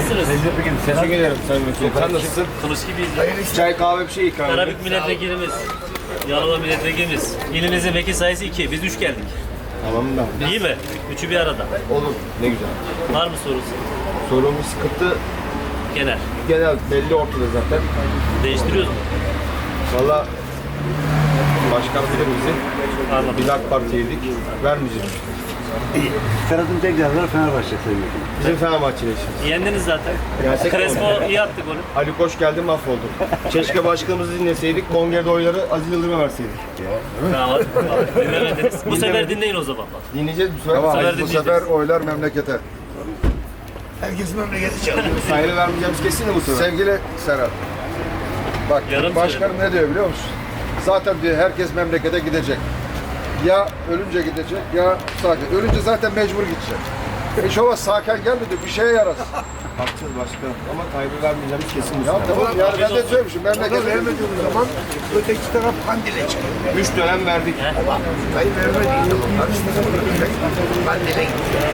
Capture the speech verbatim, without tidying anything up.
Nasılsınız? Teşekkür ederim Sayın Vekilim. Sen nasılsın? Kılıç gibiyiz. Çay kahve bir şey ikram edin. Karabük milletvekilimiz. Yalova milletvekilimiz. İlimizin vekil sayısı iki. Biz üç geldik. Tamam da. İyi mi? Üçü bir arada. Olur. Ne güzel. Var mı sorusu? Sorun bir sıkıntı Genel. genel belli ortada zaten. Değiştiriyoruz mu? Valla başkan bilir bizi. Anladım. Biz AK Parti'ydik. Vermeyeceğiz. Ferhat'ın tek yazarı Fenerbahçe sayın. Bizim Fenerbahçe'yle işimiz. Yendiniz zaten. Gerçek Crespo iyi attı golü. Ali Koç geldi mahvoldu. Keşke başkanımızı dinleseydik. Kongre'de oyları Aziz Yıldırım'a verseydik. Tamam. hadi. Dinlemediniz. Bu sefer dinleyin o zaman. bak. Dinleyeceğiz bu sefer. Tamam. Sayı- sefer Bu dinleyeceğiz. sefer oylar memlekete. Herkes memleketi çalıyor. Sayılı vermeyeceğimiz kesin de bu sefer. Sevgili Serhat, bak Yarım başkanım ne diyor biliyor musun? Zaten diyor herkes memlekete gidecek. Ya ölünce gidecek ya sakin. Ölünce zaten mecbur gidecek. Hiç olmaz sakin gelmedi bir şeye yarasın. Haklısınız başkanım. Ama kaybı vermeyeceğimiz kesin bu Ya sefer. tamam yani ben de söylemişim Ona memlekete vermediğimiz zaman öteki taraf Kandil'e çıkıyor. Üç dönem verdik. Dayı vermediği zaman karıştırıp Kandil'e gidiyor.